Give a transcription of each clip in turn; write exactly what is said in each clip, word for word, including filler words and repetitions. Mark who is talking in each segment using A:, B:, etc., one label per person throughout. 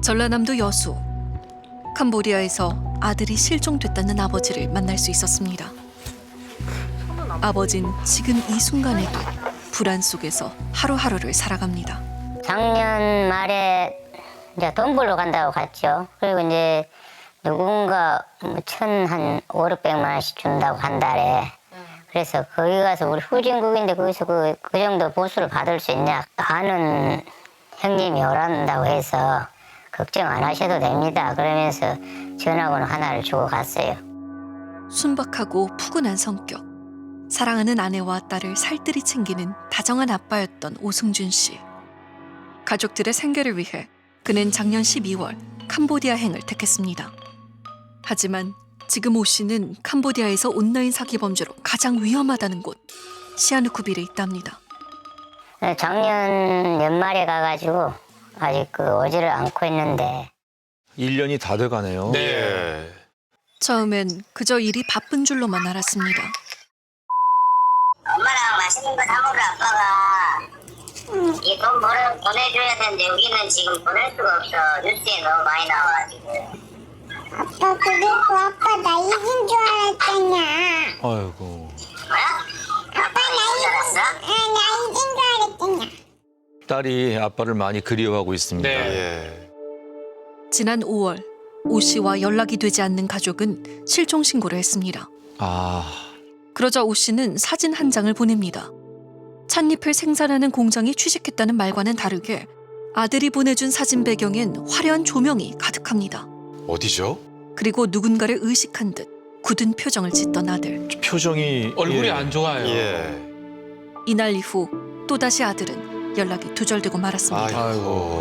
A: 전라남도 여수. 캄보디아에서 아들이 실종됐다는 아버지를 만날 수 있었습니다. 아버진 지금 이 순간에도 불안 속에서 하루하루를 살아갑니다.
B: 작년 말에 이제 돈 벌러 간다고 갔죠. 그리고 이제 누군가 천한 오륙백만 원씩 준다고 한 달에. 그래서 거기 가서 우리 후진국인데 거기서 그, 그 정도 보수를 받을 수 있냐. 아는 형님이 오란다고 해서 걱정 안 하셔도 됩니다. 그러면서 전화번호 하나를 주고 갔어요.
A: 순박하고 푸근한 성격. 사랑하는 아내와 딸을 살뜰히 챙기는 다정한 아빠였던 오승준 씨. 가족들의 생계를 위해 그는 작년 십이월 캄보디아행을 택했습니다. 하지만 지금 오 씨는 캄보디아에서 온라인 사기 범죄로 가장 위험하다는 곳 시아누쿠빌에 있답니다.
B: 작년 연말에 가가지고 아직 그 오지를 않고 있는데
C: 일 년이 다 돼가네요.
D: 네.
A: 처음엔 그저 일이 바쁜 줄로만 알았습니다.
B: 엄마랑 맛있는 거 사 먹으러 아빠가 이 돈 벌어 보내줘야 되는데 여기는 지금 보낼 수가 없어. 뉴스에 너무 많이 나와가지고.
E: 아빠 그리고 아빠 나 잊은 줄 알았잖아.
C: 아이고.
B: 뭐야? 아빠 나 잊은 줄 알았어?
E: 아, 나 잊은 줄 알았잖아.
C: 딸이 아빠를 많이 그리워하고 있습니다.
D: 네.
A: 지난 오월 오 씨와 연락이 되지 않는 가족은 실종 신고를 했습니다.
C: 아,
A: 그러자 오 씨는 사진 한 장을 보냅니다. 찻잎을 생산하는 공장이 취직했다는 말과는 다르게 아들이 보내준 사진 배경엔 화려한 조명이 가득합니다.
D: 어디죠?
A: 그리고 누군가를 의식한 듯 굳은 표정을 짓던 아들.
C: 표정이
F: 얼굴이
C: 예.
F: 안 좋아요.
D: 예.
A: 이날 이후 또다시 아들은 연락이 두절되고 말았습니다.
D: 아이고.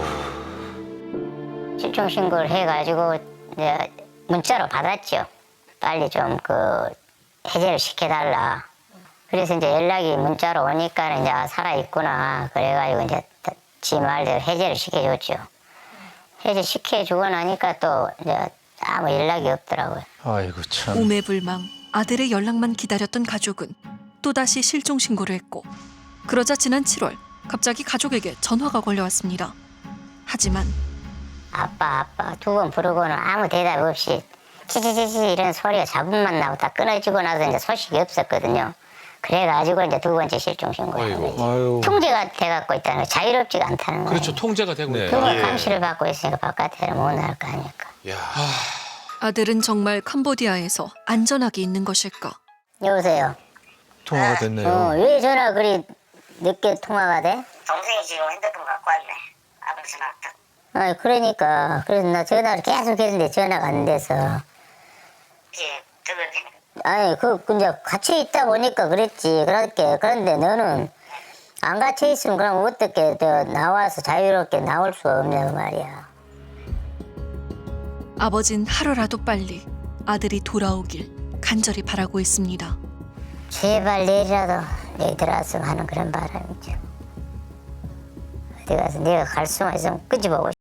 B: 실종 신고를 해가지고 이제 문자로 받았죠. 빨리 좀 그 해제를 시켜달라. 그래서 이제 연락이 문자로 오니까 이제 아, 살아있구나. 그래가지고 이제 지 말대로 해제를 시켜줬죠. 해제 시켜주고 나니까 또 이제 아무 연락이 없더라고요.
C: 아이고 참.
A: 오매불망 아들의 연락만 기다렸던 가족은 또다시 실종 신고를 했고 그러자 지난 칠월 갑자기 가족에게 전화가 걸려왔습니다. 하지만
B: 아빠 아빠 두 번 부르고는 아무 대답 없이 치치치치 이런 소리가 잡음만 나고 다 끊어지고 나서 이제 소식이 없었거든요. 그래가지고 이제 두 번째 실종 신고를 한 거지.
C: 아유.
B: 통제가 돼갖고 있다는 거, 자유롭지가 않다는 거예요.
F: 그렇죠. 통제가 되고
C: 네.
F: 있다.
B: 그거
D: 예.
B: 감시를 받고 있으니까 바깥에는 못 나갈 거 아닙니까.
D: 야.
A: 아들은 정말 캄보디아에서 안전하게 있는 것일까?
B: 여보세요.
C: 통화가 됐네요.
B: 어, 왜 전화 그리 늦게 통화가 돼? 동생이 지금 핸드폰 갖고 왔네. 아무 전화 없다. 아, 그러니까 그래서 나 전화를 계속 했는데 전화가 안 돼서. 예, 아니 그 이제 갇혀 있다 보니까 그랬지. 그렇게 그런데 너는 안 갇혀 있으면 그럼 어떻게 저 나와서 자유롭게 나올 수가 없냐고 말이야.
A: 아버진 하루라도 빨리 아들이 돌아오길 간절히 바라고 있습니다.
B: 제발 내일이라도 여기 들어왔으면 하는 그런 바람이죠. 어디 가서 내가 갈 수만 있으면 끄집어오고